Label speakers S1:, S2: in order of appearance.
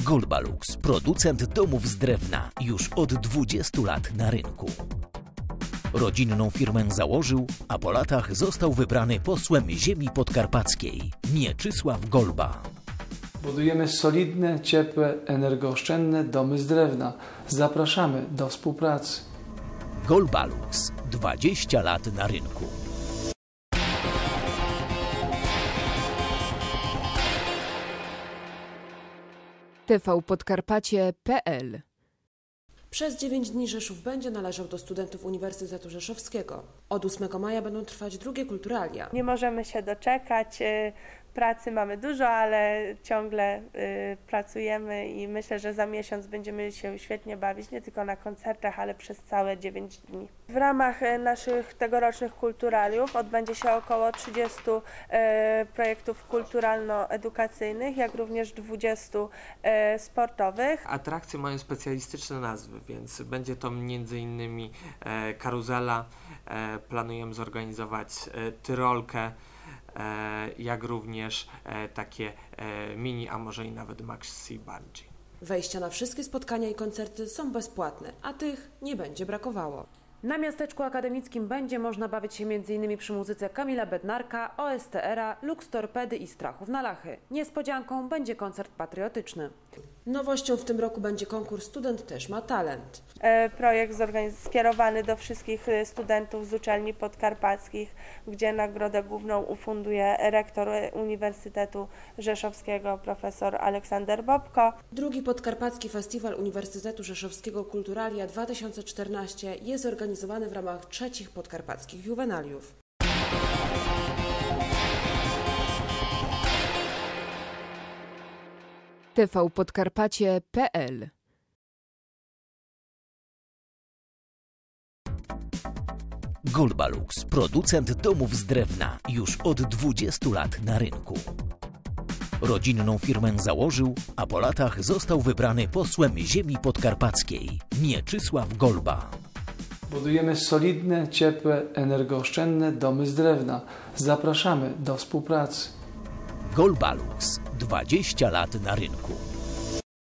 S1: Golbalux, producent domów z drewna, już od 20 lat na rynku. Rodzinną firmę założył, a po latach został wybrany posłem ziemi podkarpackiej Mieczysław Golba.
S2: Budujemy solidne, ciepłe, energooszczędne domy z drewna. Zapraszamy do współpracy.
S1: Golbalux, 20 lat na rynku.
S3: tvpodkarpacie.pl.
S4: Przez 9 dni Rzeszów będzie należał do studentów Uniwersytetu Rzeszowskiego. Od 8 maja będą trwać drugie kulturalia.
S5: Nie możemy się doczekać. Pracy mamy dużo, ale ciągle pracujemy i myślę, że za miesiąc będziemy się świetnie bawić, nie tylko na koncertach, ale przez całe 9 dni. W ramach naszych tegorocznych kulturaliów odbędzie się około 30 projektów kulturalno-edukacyjnych, jak również 20 sportowych.
S6: Atrakcje mają specjalistyczne nazwy, więc będzie to m.in. karuzela, planujemy zorganizować tyrolkę, jak również takie mini, a może i nawet maxi bungee.
S4: Wejścia na wszystkie spotkania i koncerty są bezpłatne, a tych nie będzie brakowało. Na miasteczku akademickim będzie można bawić się m.in. przy muzyce Kamila Bednarka, OSTR-a, Lux Torpedy i Strachów na Lachy. Niespodzianką będzie koncert patriotyczny. Nowością w tym roku będzie konkurs Student też ma talent.
S5: Projekt skierowany do wszystkich studentów z uczelni podkarpackich, gdzie nagrodę główną ufunduje rektor Uniwersytetu Rzeszowskiego profesor Aleksander Bobko.
S4: Drugi Podkarpacki Festiwal Uniwersytetu Rzeszowskiego Kulturalia 2014 jest organizowany w ramach trzecich podkarpackich juwenaliów.
S3: tvpodkarpacie.pl.
S1: Golbalux, producent domów z drewna, już od 20 lat na rynku. Rodzinną firmę założył, a po latach został wybrany posłem ziemi podkarpackiej Mieczysław Golba.
S2: Budujemy solidne, ciepłe, energooszczędne domy z drewna. Zapraszamy do współpracy.
S1: Golbalux, 20 lat na rynku.